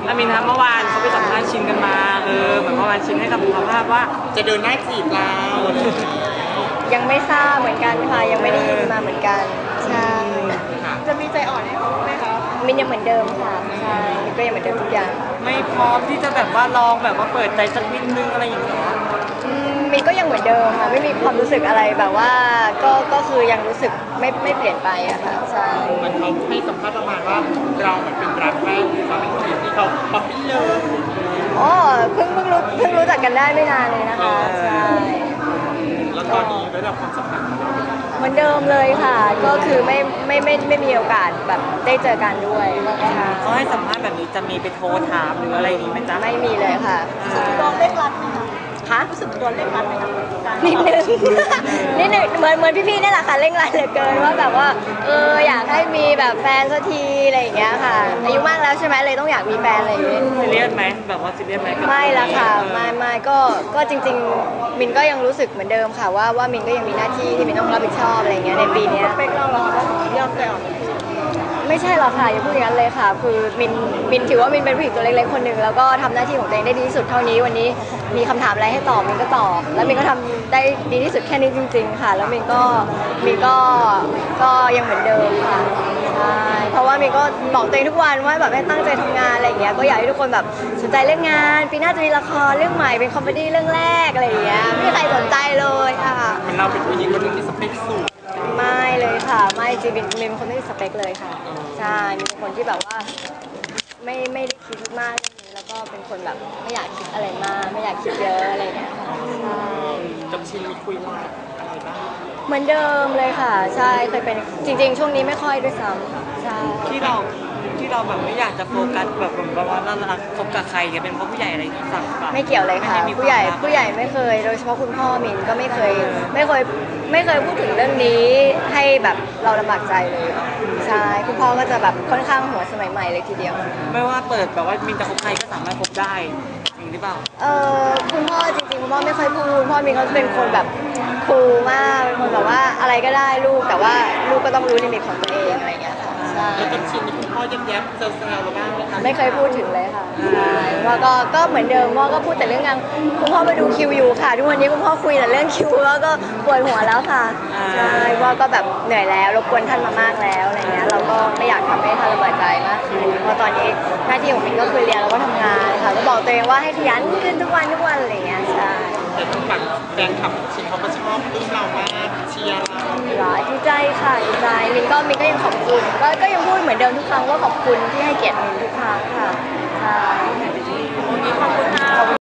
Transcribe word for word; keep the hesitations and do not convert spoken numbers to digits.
อามินทำเมื่อวานเขาไปสัมภาษณ์ชินกันมาเออเหมือนเมื่อวานชินให้คำสัมภาษณ์ว่าจะเดินหน้าจีบเรายังไม่ทราบเหมือนกันค่ะยังไม่ได้ยินมาเหมือนกันใช่จะมีใจอ่อนให้เขาไหมคะมินยังเหมือนเดิมค่ะใช่มินก็ยังเหมือนเดิมทุกอย่างไม่พร้อมที่จะแบบว่าลองแบบว่าเปิดใจสักนิดนึงอะไรอย่างเงี้ยมินก็ยังเหมือนเดิมค่ะไม่มีความรู้สึกอะไรแบบว่าก็ก็คือยังรู้สึกไม่ไม่เปลี่ยนไปอะค่ะใช่มันเขาให้สัมภาษณ์ประมาณว่าเราเหมือนเป็นรักแรกเราเป็นคนที่เขาป๊อปปี้เลยอ๋อเพิ่งเพิ่งรู้เพิ่งรู้จักกันได้ไม่นานเลยนะคะใช่แล้วตอนนี้ระดับความสัมพันธ์เหมือนเดิมเลยค่ะก็คือไม่ไม่ไม่ไม่มีโอกาสแบบได้เจอกันด้วยเขาให้สัมภาษณ์แบบนี้จะมีไปโทรถามหรืออะไรนี้ไหมจ๊ะไม่มีเลยค่ะโดนเร่งรัดไหมคะคะรู้สึกโดนเร่งรัดไหมคะนิดนึงนิดนึงเหมือนเหมือนพี่ๆนี่แหละค่ะเร่งรัดเหลือเกินว่าแบบว่าเอออยากให้มีแบบแฟนสักทีอะไรอย่างเงี้ยค่ะอายุมากแล้วใช่ไหมเลยต้องอยากมีแฟนอะไรอย่างเงี้ยซีเรียสไหมแบบว่าซีเรียสไหมไม่ละค่ะไม่ไม่ก็ก็จริงๆมินก็ยังรู้สึกเหมือนเดิมค่ะว่าว่ามินก็ยังมีหน้าที่ที่มินต้องรับผิดชอบอะไรอย่างเงี้ยในปีนี้สเปคเราเหรอคะยอมใจอ่อนไม่ใช่หรอกค่ะอย่าพูดอย่างนั้นเลยค่ะคือมินมินถือว่ามินเป็นผู้หญิงตัวเล็กๆคนหนึ่งแล้วก็ทำหน้าที่ของตัวเองได้ดีที่สุดเท่านี้วันนี้มีคำถามอะไรให้ตอบมินก็ตอบแล้วมินก็ทำได้ดีที่สุดแค่นี้จริงๆค่ะแล้วมินก็มินก็ก็ยังเหมือนเดิมค่ะใช่เพราะว่ามินก็บอกตัวเองทุกวันว่าแบบให้ตั้งใจทำงานอะไรอย่างเงี้ยก็อยากให้ทุกคนแบบสนใจเรื่องงานปีหน้าจะมีละครเรื่องใหม่เป็นคอมเมดี้เรื่องแรกอะไรอย่างเงี้ยไม่มีใครสนใจเลยค่ะมันเราเป็นผู้หญิงคนหนึ่งที่สเปคสูงไม่เลยค่ะไม่จริงๆเป็นคนไม่มีสเปคเลยค่ะใช่มีคนที่แบบว่าไม่ไม่ได้คิดมากเรื่องนี้แล้วก็เป็นคนแบบไม่อยากคิดอะไรมากไม่อยากคิดเยอะอะไรเงี้ยค่ะใช่กับชินมีคุยว่าอะไรบ้างเหมือนเดิมเลยค่ะใช่เคยเป็นจริงๆช่วงนี้ไม่ค่อยด้วยซ้ำใช่ที่เราที่เราแบบไม่อยากจะโฟกัสแบบแบบว่าเรารักคบกับใครเนี่ยเป็นเพราะผู้ใหญ่อะไรที่สั่งป่ะไม่เกี่ยวเลยค่ะผู้ใหญ่ผู้ใหญ่ไม่เคยโดยเฉพาะคุณพ่อมินก็ไม่เคยไม่เคยไม่เคยพูดถึงเรื่องนี้ให้แบบเราลำบากใจเลยใช่คุณพ่อก็จะแบบค่อนข้างหัวสมัยใหม่เลยทีเดียวไม่ว่าเปิดแบบว่ามินจะคบใครก็สามารถคบได้จริงหรือเปล่าเออคุณพ่อจริงๆคุณพ่อไม่ค่อยพูดคุณพ่อมินเขาเป็นคนแบบคูลมากเป็นคนแบบว่าอะไรก็ได้ลูกแต่ว่าลูกก็ต้องรู้ลิมิตของตัวเองอะไรอย่างเงี้ยค่ะแล้วกับชินนี่คุณพ่อแย้มๆเซลล์เราบ้างไหมคะไม่เคยพูดถึงเลยค่ะใช่ว่าก็ก็เหมือนเดิมพ่อก็พูดแต่เรื่องงานคุณพ่อมาดูคิวอยู่ค่ะทุกวันนี้คุณพ่อคุยแต่เรื่องคิวแล้วก็ปวดหัวแล้วค่ะใช่ว่าก็แบบเหนื่อยแล้วรบกวนท่านมามากแล้วอะไรเงี้ยเราก็ไม่อยากทำให้ท่านลำบากใจมากขึ้นเพราะตอนนี้หน้าที่ของมินก็คือเรียนแล้วก็ทำงานค่ะก็บอกตัวเองว่าให้ขยันขึ้นทุกวันทุกวันอะไรเงี้ยใช่แต่ทางฝั่งแฟนคลับชินเขาก็ชอบรุ่นเรามากเชียร์เราดีใจค่ะดีใจมินก็มินก็ยังขอบคุณก็ก็ยังพูดเหมือนเดิมทุกครั้งว่าขอบคุณที่ให้เกียรติมินทุกครั้งค่ะ